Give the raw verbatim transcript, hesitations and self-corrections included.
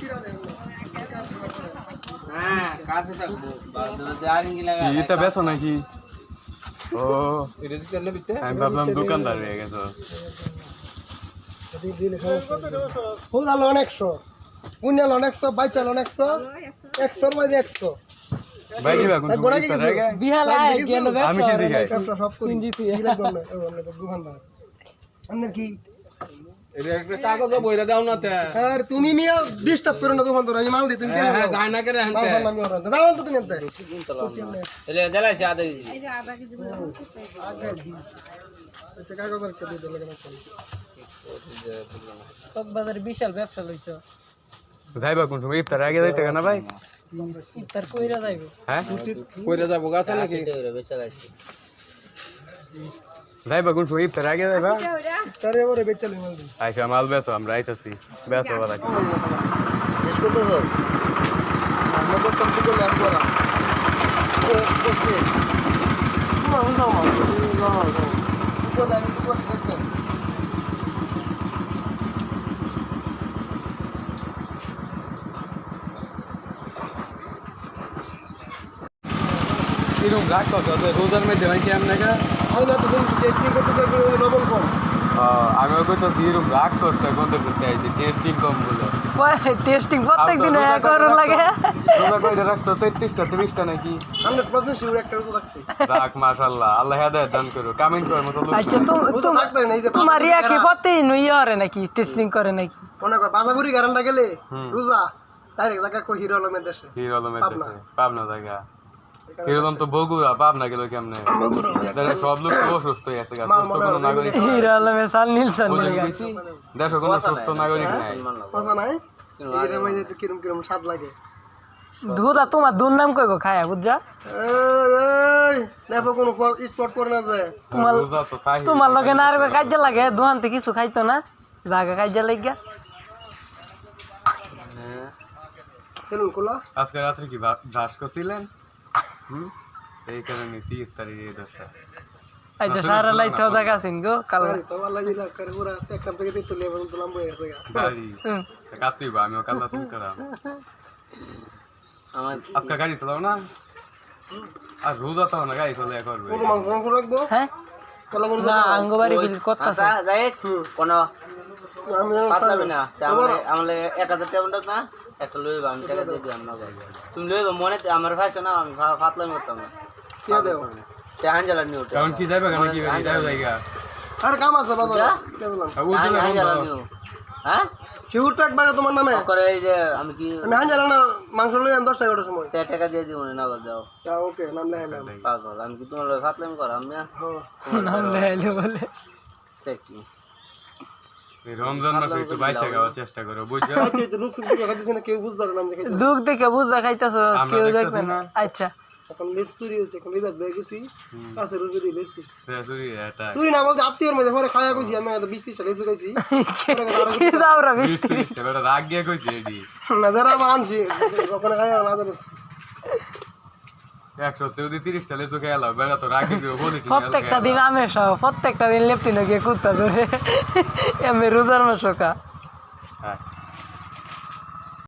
হ্যাঁ কাছে থাকবো জারিঙ্গি লাগা এটা বেচো নাকি? ও আমি ভাবলাম দোকানদার হয়ে গেছো। একশো উনিয়াল একশো বাইচাল একশো একশোর মাঝে একশো ভাই দিবা কোন আমি কি দেখাই আপনার কি এটা একটা কাগজ বইরা দাও না তে আর তুমি মিয়া ডিস্টার্ব করো না দোকান তো আমি মাল দিই তুমি হ্যাঁ হ্যাঁ যায় না করে আনতে আমি ওরা দাও তো তুমি আনতে এলে জ্বালাইছে আধা কেজি এই যে আধা কেজি আগে দি আচ্ছা কাগজ আর কেটে দিলে কেন সব বাজারে বিশাল ব্যবসা লইছো যাইবা কোন সময় ইফতার আগে যাইতে না ভাই? ইফতার কইরা যাইবো হ্যাঁ কইরা যাবো গাছে নাকি বেচা গাছে যাইবা কোন সময় ইফতার আগে যাইবা? তারে এবারে বেচালে মাল দিই আচ্ছা মাল বেচো আমরা আইতাছি বেচো বলা কি শেষ করতে দাও আমরা তো কম করে লাভ করা ও বসে না না না না না তো লাইন তো দেখতে এরকম রাগ করছো তো রোজার মধ্যে ভাই কেমন না হয় না তো টেস্টিং করতে দেখো ডবল কম আমি ওকে তো এরকম রাগ করছো বন্ধ করতে আইছি টেস্টিং কম বলে টেস্টিং প্রত্যেক দিন এক করে লাগে রোজা কইরা রাখছো তেত্রিশটা ত্রিশটা নাকি হান্ড্রেড পার্সেন্ট শিওর একটা রোজা রাখছি রাখ মাশাআল্লাহ আল্লাহ হেদায়েত দান করো কামেন্ট করার মতো লোক আচ্ছা তুমি রোজা থাকতে না এই যে তোমার ইয়া কি প্রত্যেক দিন ইয়া করে নাকি টেস্টিং করে নাকি মনে কর বাজাবুরি গারান্ডা গেলে রোজা ডাইরেক্ট জায়গা কই হিরো আলমের দেশে হিরো আলমের দেশে পাবনা জায়গা হিরো আলম তো বগুড়া পাবনা গেল কেমনে দেখো সব লোক তো অসুস্থ হয়ে আছে সুস্থ কোনো নাগরিক হিরো আলমে সাল নিলসন দেশে কোনো সুস্থ নাগরিক নাই মজা নাই এই রে মাইতে তো কিরম কিরম স্বাদ লাগে দুধা তোমার দুর নাম কইবো খায়া বুঝছা এই এই দেখো কোন স্পট করে না যায় তোমার রোজা তো তাই তোমার লগে না আর কাজে লাগে দুহানতে কিছু খাইতো না জায়গা কাজে লাগিয়া চলুন কোলা আজকে রাত্রে কি ব্রাশ করছিলেন হুম এই কারণে তিরিশ তারিখ এই দশটা আচ্ছা সারা লাইতে জায়গা আছেন গো কাল আরে তো আল্লাহ দিলা করে পুরা একটা থেকে দিতে লেবন তো লম্বা হয়ে গেছে গাড়ি কাটিবা আমি কাল্লা শুন করাম আমার আজকে গাড়ি চালাও না আর রোজা তো না গাড়ি চলে করবে পুরো মাংস মাংস রাখবো হ্যাঁ কলা করে না আঙ্গবাড়ি বিল কত আছে আচ্ছা যাই কোন আমি পাতলাবে না তাহলে আমলে এক হাজার টাকা না একটা লইবা আমি টাকা দিয়ে দিলাম না তুমি লইবা মনে আমার ভাইছ না আমি পাতলামি করতাম না কে দেব তে হাঞ্জালা নিও কারণ কি যাবে কেন কি যাবে জায়গা আর কাম আছে বাবা কে বললাম ও তো হাঞ্জালা নিও হ্যাঁ শিউর টাক বাগা তোমার নামে করে এই যে আমি কি আমি হান জানা না মাংস লই আন দশ টাকা ওটার সময় তে টাকা দিয়ে দিব না নগদ যাও তা ওকে নাম লেখাইলাম পাগল আমি কি তোমার পাতলামি করাম আমি নাম লেলে বলে দেখি এই রমজান মাসে একটু বাইচা খাওয়ার চেষ্টা করো বুঝছো আচ্ছা তো লুক সুক দেখে খাইতেছ না কেউ বুঝতে পারে না আমি খাইতে দুঃখ দেখে বুঝা খাইতাছো আমরা কেউ দেখতাছি দেখবে না না। আচ্ছা এখন লেস চুরি হয়েছে এখন লিদার বেয়ে গেছি কাছে রুজে দিয়ে লেস তুই এটা চুরি না বলতে আত্মীয়র মধ্যে পরে খাওয়া কইছি আমি তো বিশ ত্রিশটা লেসু খাইছি কি যাবরা বিশ বৃষ্টি ত্রিশটা বেটা রাগ গিয়ে কইছে এডি না যারা আমার আনছি ওখানে খাওয়া না জানো একশো যদি তিরিশটা লেচু খেয়ে এলাম বেটা তো রাগ গিয়ে বলি প্রত্যেকটা দিন আমের সহ প্রত্যেকটা দিন লেপটিনো গিয়ে কুত্তা ধরে এমনি রোজার মাসকা হ্যাঁ